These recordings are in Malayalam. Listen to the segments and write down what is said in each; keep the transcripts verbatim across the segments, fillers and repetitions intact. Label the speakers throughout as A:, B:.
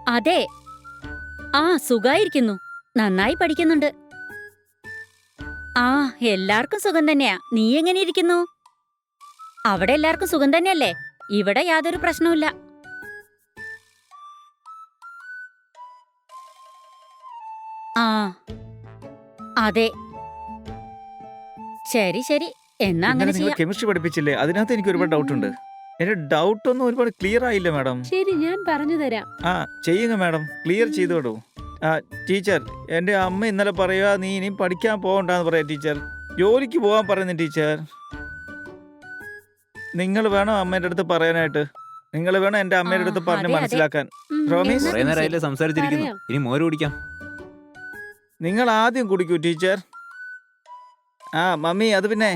A: അതെ. ആ സുഖായിരിക്കുന്നു. നന്നായി പഠിക്കുന്നുണ്ട്. ആ എല്ലാവർക്കും സുഖം തന്നെയാ. നീ എങ്ങനെ ഇരിക്കുന്നു? അവിടെ എല്ലാവർക്കും സുഖം തന്നെയല്ലേ? ഇവിടെ യാതൊരു പ്രശ്നവുമില്ല. ആ അതെ. ശരി ശരി, എന്നാ
B: ഇന്നലെ
A: അങ്ങനെ
B: നിങ്ങൾ
A: ചെയ്യാം.
B: കെമിസ്ട്രി പഠിപ്പിച്ചില്ലേ? അതിനകത്ത് എനിക്ക് ഒരുപാട് ഡൗട്ട് ഉണ്ട്.
C: ഉം.
B: എന്റെ ഡൗട്ട് ഒന്നും ഒരുപാട് ക്ലിയർ ആയില്ല മാഡം.
C: ശരി, ഞാൻ പറഞ്ഞു തരാം.
B: ആ ചെയ്യുക മാഡം, ക്ലിയർ
C: ഉം.
B: ചെയ്തോടൂ. ആ ടീച്ചർ, എൻ്റെ അമ്മ ഇന്നലെ പറയുക നീ ഇനിയും പഠിക്കാൻ പോകണ്ടെന്ന് പറയാം ടീച്ചർ. ജോലിക്ക് പോകാൻ പറയുന്നു ടീച്ചർ. നിങ്ങൾ വേണം അമ്മേൻ്റെ അടുത്ത് പറയാനായിട്ട്. നിങ്ങൾ വേണം എൻ്റെ
A: ആ
B: അമ്മയുടെ അടുത്ത് പറഞ്ഞ്
A: അതെ അതെ.
B: മനസ്സിലാക്കാൻ.
C: ഉം,
B: പ്രോമിസ്?
C: എന്നാ
D: കുറെ
C: പിന്നെ
D: നേരമായില്ലേ
C: ശരി.
D: സംസാരിച്ചിരിക്കുന്നു.
C: പറയാം.
D: ഇനി മോര് കുടിക്കാം.
B: നിങ്ങൾ ആദ്യം കുടിക്കൂ ടീച്ചർ. ആ മമ്മി, അത് പിന്നെ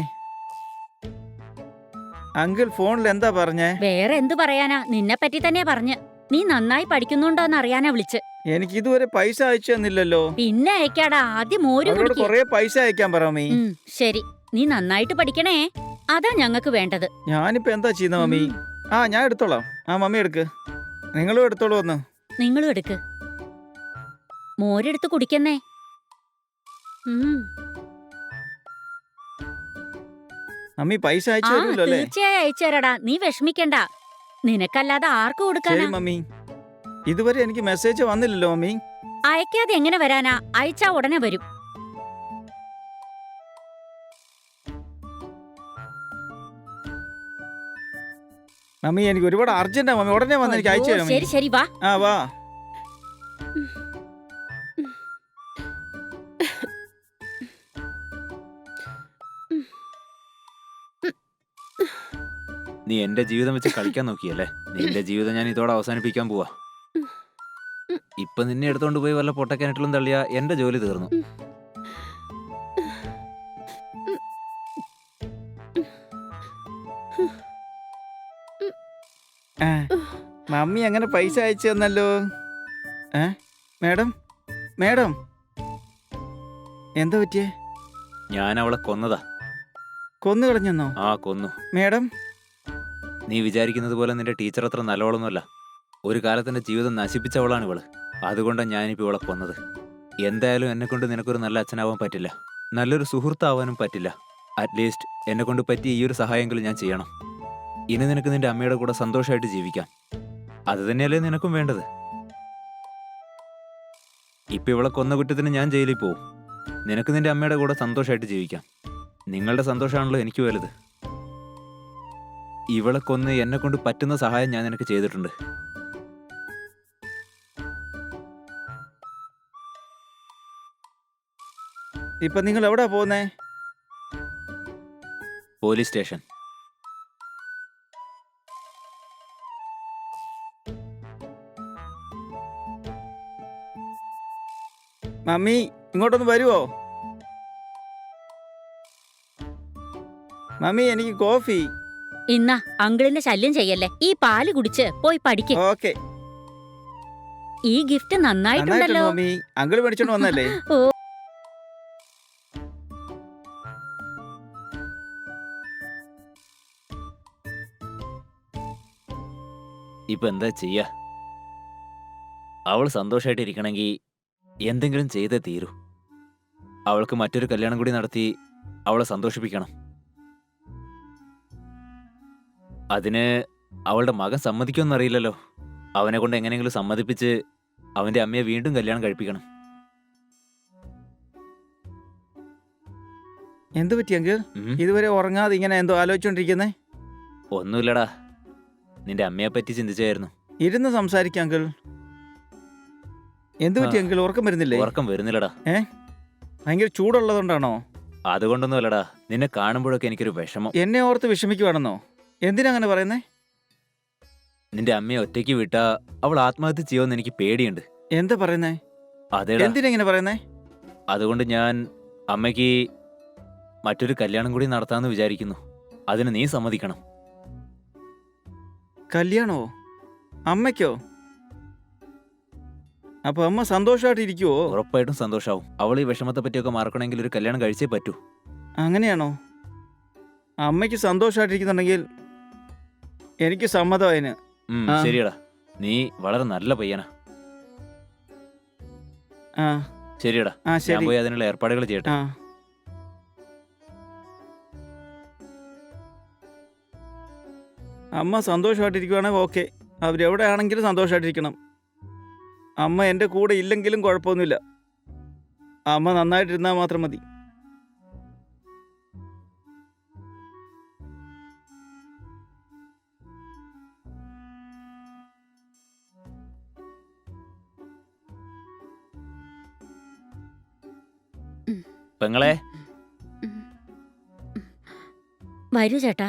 B: അങ്കിൾ ഫോണിൽ എന്താ പറഞ്ഞേ?
A: വേറെ എന്തു പറയാനാ, നിന്നെ പറ്റി തന്നെയാ പറഞ്ഞ്. നീ നന്നായി പഠിക്കുന്നുണ്ടോന്ന് അറിയാനാ വിളിച്ച്.
B: എനിക്ക് ഇതുവരെ പൈസ അയച്ചു തന്നില്ലല്ലോ.
A: പിന്നെ അയക്കാടാ, ആദ്യം മോര്
B: അവരോട്
A: കുടിക്ക്.
B: കൊറേ പൈസ അയക്കാൻ പറ മമ്മി.
A: ഉം, ശരി. നീ നന്നായിട്ട് പഠിക്കണേ. അതാ ഞങ്ങക്ക് വേണ്ടത്.
B: ഞാനിപ്പോ എന്താ ചെയ്യുന്ന മമ്മി?
A: ഉം,
B: ആ ഞാൻ എടുത്തോളാം. ആ മമ്മി എടുക്ക്. നിങ്ങളും എടുത്തോളൂ വന്ന്.
A: നിങ്ങളും എടുക്ക്. മോരെടുത്ത് കുടിക്കുന്നേ.
C: ഉം.
B: മമ്മി പൈസ
A: ആ
B: അയച്ചു തരുമല്ലോ അല്ലേ?
A: തീർച്ചയായും അയച്ചുതരാടാ, നീ വിഷമിക്കണ്ട. നിനക്കല്ലാതെ ആർക്ക്
B: ശരി
A: കൊടുക്കാനാ?
B: മമ്മി. ഇതുവരെ എനിക്ക് മെസ്സേജ് വന്നില്ലല്ലോ മമ്മി.
A: അയക്കാതെ എങ്ങനെ വരാനാ? അയച്ചാ ഉടനെ വരും.
B: മമ്മി എനിക്ക് ഒരുപാട് അർജന്റാ മമ്മി, ഉടനെ വന്ന് എനിക്ക് അയച്ചു
A: അയ്യോ,
B: തരാം
A: ശരി
B: മമ്മി.
A: ശരി, വാ.
B: ആ വാ.
D: നീ എന്റെ ജീവിതം വെച്ച് കളിക്കാൻ നോക്കിയല്ലേ? നിന്റെ ജീവിതം ഞാൻ ഇതോടെ അവസാനിപ്പിക്കാൻ പോവാ. ഇപ്പൊ നിന്നെ എടുത്തോണ്ട് പോയി വല്ല പൊട്ടക്കിണറ്റിലും തള്ളിയാ എന്റെ ജോലി തീർന്നു.
B: ആ, മമ്മി അങ്ങനെ പൈസ അയച്ചു തന്നല്ലോ. ഏ മേഡം, മേഡം എന്താ പറ്റിയേ?
D: ഞാൻ അവളെ കൊന്നതാ.
B: കൊന്നു കളഞ്ഞെന്നോ?
D: ആ കൊന്നു.
B: മേഡം
D: നീ വിചാരിക്കുന്നത് പോലെ നിന്റെ ടീച്ചർ അത്ര നല്ലവളൊന്നുമല്ല. ഒരു കാലത്തിന്റെ ജീവിതം നശിപ്പിച്ചവളാണ് ഇവള്. അതുകൊണ്ടാണ് ഞാനിപ്പോ ഇവളെ കൊന്നത്. എന്തായാലും എന്നെ കൊണ്ട് നിനക്കൊരു നല്ല അച്ഛനാവാൻ പറ്റില്ല, നല്ലൊരു സുഹൃത്താവാനും പറ്റില്ല. അറ്റ്ലീസ്റ്റ് എന്നെ കൊണ്ട് പറ്റിയ ഈ ഒരു സഹായമെങ്കിലും ഞാൻ ചെയ്യണം. ഇനി നിനക്ക് നിന്റെ അമ്മയുടെ കൂടെ സന്തോഷമായിട്ട് ജീവിക്കാം. അത് തന്നെയല്ലേ നിനക്കും വേണ്ടത്. ഇപ്പൊ ഇവളെ കൊന്ന കുറ്റത്തിന് ഞാൻ ജയിലിൽ പോവും. നിനക്ക് നിന്റെ അമ്മയുടെ കൂടെ സന്തോഷമായിട്ട് ജീവിക്കാം. നിങ്ങളുടെ സന്തോഷമാണല്ലോ എനിക്ക് വലുത്. ഇവളെ കൊന്ന് എന്നെ കൊണ്ട് പറ്റുന്ന സഹായം ഞാൻ നിനക്ക് ചെയ്തിട്ടുണ്ട്.
B: ഇപ്പൊ നിങ്ങൾ എവിടാ പോകുന്നേ?
D: Police station.
B: മമ്മി ഇങ്ങോട്ടൊന്ന് വരുവോ? മമ്മി എനിക്ക് കോഫി.
A: ഇന്നാ അങ്കിളിന്റെ ശല്യം ചെയ്യല്ലേ. ഈ പാല് കുടിച്ച് പോയി പഠിക്ക്.
B: ഓക്കെ.
A: ഈ ഗിഫ്റ്റ്
B: നന്നായിട്ടുണ്ട്
A: നന്നായിട്ടുണ്ടല്ലോ.
B: മമ്മി. അങ്കിൾ മേടിച്ചോണ്ട് വന്നല്ലേ?
A: ഓ,
D: ഇപ്പൊ എന്താ ചെയ്യാ? അവൾ സന്തോഷമായിട്ട് ഇരിക്കണമെങ്കിൽ എന്തെങ്കിലും ചെയ്തേ തീരൂ. അവൾക്ക് മറ്റൊരു കല്യാണം കൂടി നടത്തി അവളെ സന്തോഷിപ്പിക്കണം. അതിന് അവളുടെ മകൻ സമ്മതിക്കുമെന്നറിയില്ലല്ലോ. അവനെ കൊണ്ട് എങ്ങനെയെങ്കിലും സമ്മതിപ്പിച്ച് അവന്റെ അമ്മയെ വീണ്ടും കല്യാണം കഴിപ്പിക്കണം.
B: എന്ത് പറ്റി അങ്കിൾ?
D: ഉം.
B: ഇതുവരെ ഉറങ്ങാതെ ഇങ്ങനെ എന്തോ ആലോചിച്ചോണ്ടിരിക്കുന്നേ?
D: ഒന്നുമില്ലടാ, നിന്റെ അമ്മയെ പറ്റി ചിന്തിച്ചായിരുന്നു.
B: ഇരുന്ന് സംസാരിക്കാം അങ്കിൾ. എന്ത് പറ്റി
D: ആ.
B: അങ്കിൾ, ഉറക്കം വരുന്നില്ലേ?
D: ഉറക്കം വരുന്നില്ലടാ.
B: ഭയങ്കര ചൂടുള്ളതുകൊണ്ടാണോ?
D: അതുകൊണ്ടൊന്നും അല്ലടാ, നിന്നെ കാണുമ്പോഴൊക്കെ എനിക്കൊരു വിഷമം.
B: എന്നെ ഓർത്ത് വിഷമിക്കുവാണെന്നോ? എന്തിനാ അങ്ങനെ പറയുന്നേ?
D: നിന്റെ അമ്മയെ ഒറ്റയ്ക്ക് വിട്ടാ അവൾ ആത്മഹത്യ ചെയ്യുമെന്ന് എനിക്ക് പേടിയുണ്ട്.
B: എന്താ പറയുന്നേ?
D: അതേടാ,
B: എന്തിനാ ഇങ്ങനെ പറയുന്നേ?
D: അതുകൊണ്ട് ഞാൻ അമ്മയ്ക്ക് മറ്റൊരു കല്യാണം കൂടി നടത്താമെന്ന് വിചാരിക്കുന്നു. അതിന് നീ സമ്മതിക്കണം.
B: കല്യാണോ? അമ്മയ്ക്കോ? അപ്പൊ അമ്മ സന്തോഷമായിട്ട് ഇരിക്കുവോ?
D: ഉറപ്പായിട്ടും സന്തോഷാവും. അവൾ ഈ വിഷമത്തെ പറ്റിയൊക്കെ മറക്കണമെങ്കിൽ ഒരു കല്യാണം കഴിച്ചേ പറ്റൂ.
B: അങ്ങനെയാണോ? അമ്മയ്ക്ക് സന്തോഷമായിട്ടിരിക്കുന്നുണ്ടെങ്കിൽ എനിക്ക് സമ്മതം അതിന്.
D: ഉം,
B: ആ.
D: ശരിയടാ, നീ വളരെ നല്ല പയ്യനാ.
B: ആ
D: ശരിയടാ,
B: ആ
D: ഞാൻ
B: ശരി
D: പോയി അതിനുള്ള ഏർപ്പാടുകൾ ചെയ്യട്ടെ.
B: ആ അമ്മ സന്തോഷമായിട്ടിരിക്കുവാണെങ്കിൽ ഓക്കെ. അവരെവിടെ ആണെങ്കിലും സന്തോഷമായിട്ടിരിക്കണം. അമ്മ എൻ്റെ കൂടെ ഇല്ലെങ്കിലും കുഴപ്പമൊന്നുമില്ല. അമ്മ നന്നായിട്ടിരുന്നാൽ മാത്രം മതി.
D: പെങ്ങളെ,
A: വരൂ ചേട്ടാ.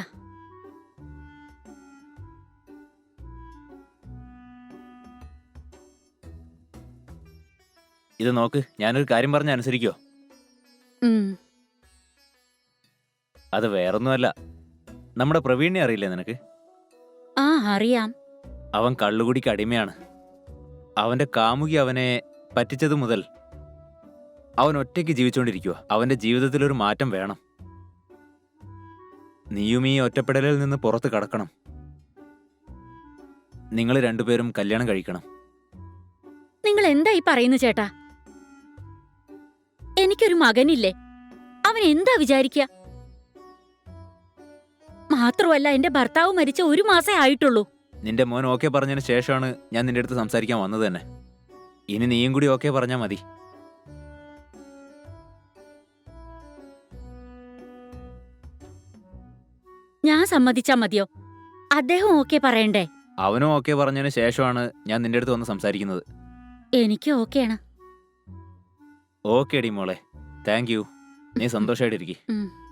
D: ഇത് നോക്ക്, ഞാനൊരു കാര്യം പറഞ്ഞ അനുസരിക്കോ?
A: ഉം.
D: അത് വേറൊന്നുമല്ല, നമ്മുടെ പ്രവീണിനെ അറിയില്ലേ നിനക്ക്?
A: ആ അറിയാം.
D: അവൻ കള്ളുകുടിക്ക് അടിമയാണ്. അവന്റെ കാമുകി അവനെ പറ്റിച്ചതു മുതൽ അവൻ ഒറ്റയ്ക്ക് ജീവിച്ചുകൊണ്ടിരിക്കുക. അവന്റെ ജീവിതത്തിലൊരു മാറ്റം വേണം. നീയും ഈ ഒറ്റപ്പെടലിൽ നിന്ന് പുറത്ത് കടക്കണം. നിങ്ങൾ രണ്ടുപേരും കല്യാണം കഴിക്കണം.
A: നിങ്ങൾ എന്താ ഈ പറയുന്നു ചേട്ടാ? എനിക്കൊരു മകനില്ലേ? അവൻ എന്താ വിചാരിക്കുക? മാത്രമല്ല എന്റെ ഭർത്താവ് മരിച്ച ഒരു മാസേ ആയിട്ടുള്ളൂ.
D: നിന്റെ മോൻ ഓക്കെ പറഞ്ഞതിന് ശേഷമാണ് ഞാൻ നിന്റെ അടുത്ത് സംസാരിക്കാൻ വന്നത് തന്നെ. ഇനി നീയും കൂടി ഓക്കെ പറഞ്ഞാൽ മതി.
A: ഞാൻ സമ്മതിച്ചാ മതിയോ? അദ്ദേഹം ഓക്കെ പറയണ്ടേ?
D: അവനും ഓക്കെ പറഞ്ഞതിന് ശേഷമാണ് ഞാൻ നിന്റെ അടുത്ത് വന്ന് സംസാരിക്കുന്നത്.
A: എനിക്ക് ഓക്കെയാണ്.
D: ഓക്കെ ഡി മോളെ, താങ്ക് യു. നീ സന്തോഷമായിട്ടിരിക്കും.
A: ഉം.